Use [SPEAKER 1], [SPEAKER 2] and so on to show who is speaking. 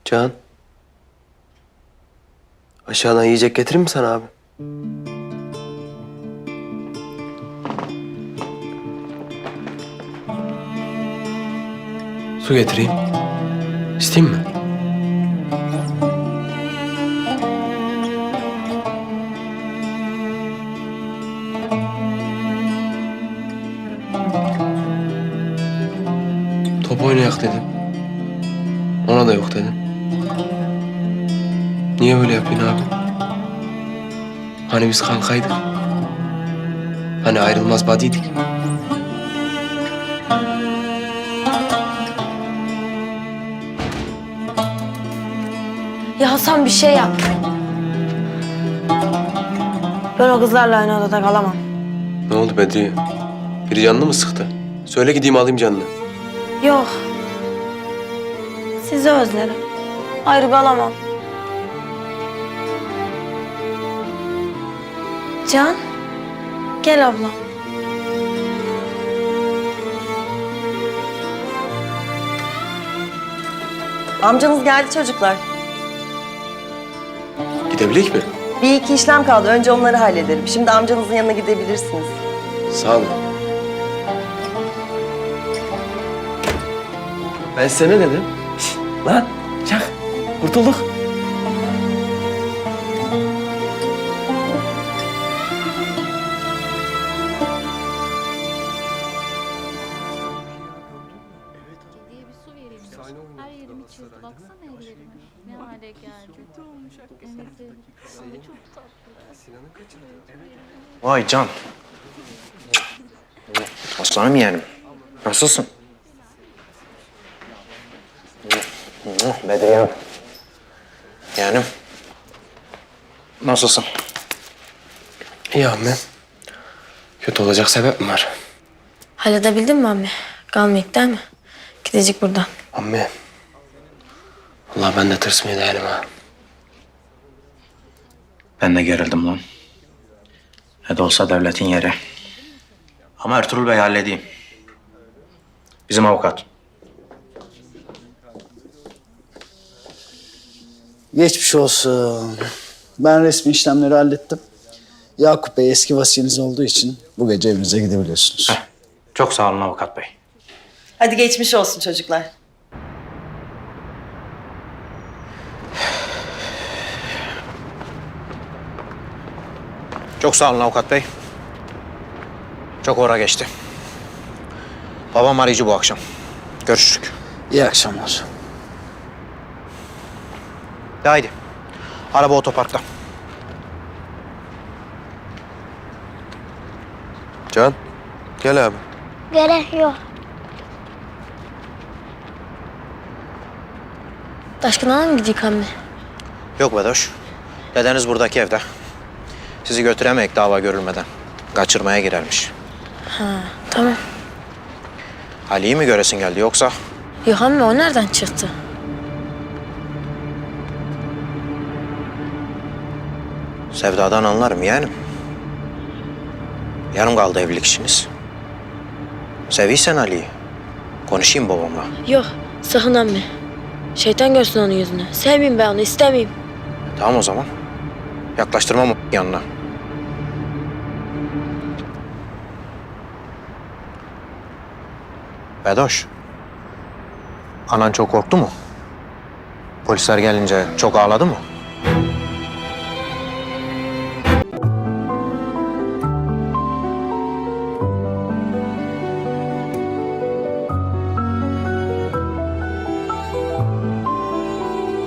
[SPEAKER 1] Can. Aşağıdan yiyecek getireyim mi sana abi? Su getireyim. İsteyeyim mi? Top oynayak dedim. Ona da yok dedim. Niye böyle yapıyorsun abi? Hani biz kankaydık. Hani ayrılmaz badiydik.
[SPEAKER 2] Ya Hasan bir şey yap. Ben o kızlarla aynı odada kalamam.
[SPEAKER 1] Ne oldu Bedriye? Biri canını mı sıktı? Söyle gideyim alayım canını.
[SPEAKER 2] Yok. Sizi özlerim. Ayrı kalamam. Can, gel abla.
[SPEAKER 3] Amcanız geldi çocuklar.
[SPEAKER 1] Gidebilecek mi?
[SPEAKER 3] Bir iki işlem kaldı. Önce onları hallederim. Şimdi amcanızın yanına gidebilirsiniz.
[SPEAKER 1] Sağ olun. Ben size ne dedim? Lan çak. Kurtulduk.
[SPEAKER 4] diye bir su vereyim. Her yerim içiyordu. Baksana ellerime. Ne hale geldi. Kötü olmuş hakikaten. Evet. Ama çok tatlı.
[SPEAKER 5] Vay Can. Aslanım yeğenim. Nasılsın? Bedriyem. Yeğenim. Nasılsın?
[SPEAKER 1] İyi abi. Kötü olacak sebep mi var?
[SPEAKER 2] Halledebildin mi ammi? Kalmayık değil mi? Gidecek buradan.
[SPEAKER 1] Ammi. Allah ben de tırsmıyor değilim ha.
[SPEAKER 5] Ben de gerildim lan. Ne de olsa devletin yeri. Ama Ertuğrul Bey halledeyim. Bizim avukat.
[SPEAKER 6] Geçmiş olsun. Ben resmi işlemleri hallettim. Yakup Bey eski vasiyeniz olduğu için bu gece evinize gidebiliyorsunuz.
[SPEAKER 5] Çok sağ olun avukat bey.
[SPEAKER 3] Hadi geçmiş olsun çocuklar.
[SPEAKER 5] Çok sağ olun avukat bey. Çok ora geçti. Babam arayıcı bu akşam. Görüşürük.
[SPEAKER 6] İyi akşamlar.
[SPEAKER 5] De haydi. Araba otoparkta.
[SPEAKER 1] Can. Gel abi.
[SPEAKER 7] Gerek yok.
[SPEAKER 2] Taşkın'a mı gidecek ammi?
[SPEAKER 5] Yok Bedoş. Dedeniz buradaki evde. Sizi götüremeyek dava görülmeden. Kaçırmaya girermiş.
[SPEAKER 2] Tamam.
[SPEAKER 5] Ali'yi mi göresin geldi yoksa?
[SPEAKER 2] Yok ammi, o nereden çıktı?
[SPEAKER 5] Sevdadan anlarım yeğenim. Yarım kaldı evlilik işiniz. Seviysen Ali'yi. Konuşayım babamla.
[SPEAKER 2] Yok, sakın ammi. Şeytan görsün onun yüzünü. Sevmeyeyim ben onu, istemeyeyim.
[SPEAKER 5] Tamam o zaman. Yaklaştırmam yanına. Bedoş. Anan çok korktu mu? Polisler gelince çok ağladı mı?